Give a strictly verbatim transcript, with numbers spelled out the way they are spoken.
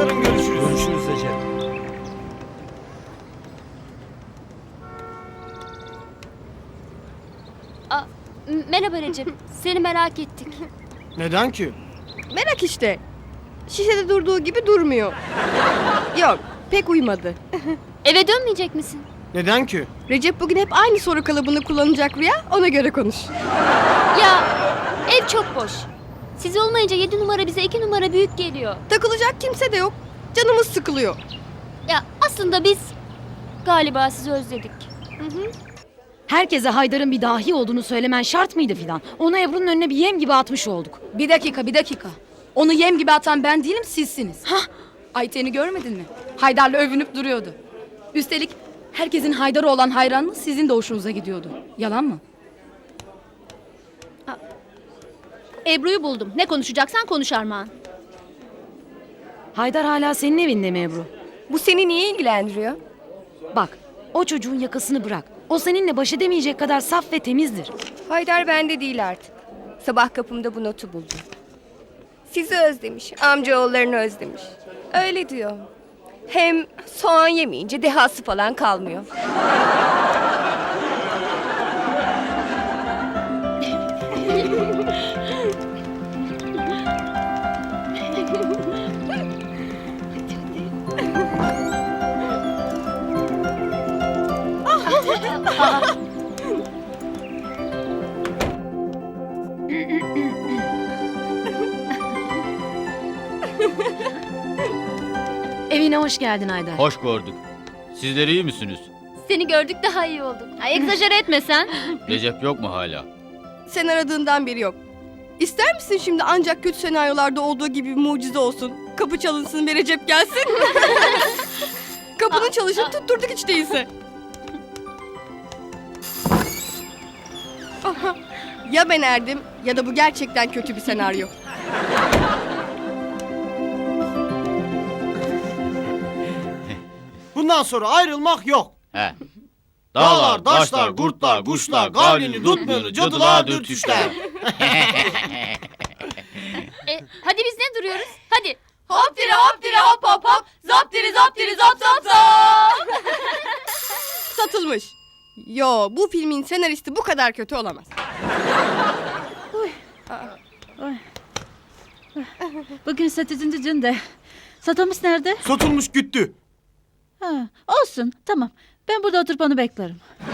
Yarın görüşürüz. Görüşürüz Recep. Aa, m- merhaba Recep. Seni merak ettik. Neden ki? Merak işte. Şişede durduğu gibi durmuyor. Yok, pek uymadı. Eve dönmeyecek misin? Neden ki? Recep bugün hep aynı soru kalıbını kullanacak Rüya, ona göre konuş. Ya ev çok boş. Siz olmayınca yedi numara bize iki numara büyük geliyor. Takılacak kimse de yok. Canımız sıkılıyor. Ya aslında biz galiba sizi özledik. Herkese Haydar'ın bir dahi olduğunu söylemen şart mıydı filan? Onu Ebru'nun önüne bir yem gibi atmış olduk. Bir dakika, bir dakika. Onu yem gibi atan ben değilim, sizsiniz. Hah! Ayten'i görmedin mi? Haydar'la övünüp duruyordu. Üstelik herkesin Haydar'a olan hayranlığı sizin de hoşunuza gidiyordu. Yalan mı? Ebru'yu buldum. Ne konuşacaksan konuş Armağan. Haydar hala senin evinde mi Ebru? Bu seni niye ilgilendiriyor? Bak, o çocuğun yakasını bırak. O seninle baş edemeyecek kadar saf ve temizdir. Haydar bende değil artık. Sabah kapımda bu notu buldum. Sizi özlemiş, amcaoğullarını özlemiş. Öyle diyor. Hem soğan yemeyince dehası falan kalmıyor. Evine hoş geldin Haydar. Hoş gördük. Sizler iyi misiniz? Seni gördük daha iyi olduk. Ay, egzajere etme sen. Recep yok mu hala? Sen aradığından beri yok. İster misin şimdi ancak kötü senaryolarda olduğu gibi bir mucize olsun? Kapı çalınsın ve Recep gelsin. Kapının çalışını tutturduk hiç değilse. Aha, ya ben erdim ya da bu gerçekten kötü bir senaryo. Bundan sonra ayrılmak yok. He. Dağlar, taşlar, kurtlar, kuşlar, gavlini, tutmuyor, cadılar, dürtüşler. E, hadi biz ne duruyoruz? Hadi. Hop dire hop dire hop hop hop. Zap dire zap dire zap zap zap. Satılmış. Yo, bu filmin senaristi bu kadar kötü olamaz. Bugün satıcıncı günde. Satılmış nerede? Satılmış gitti. Ha, olsun, tamam. Ben burada oturup onu beklerim.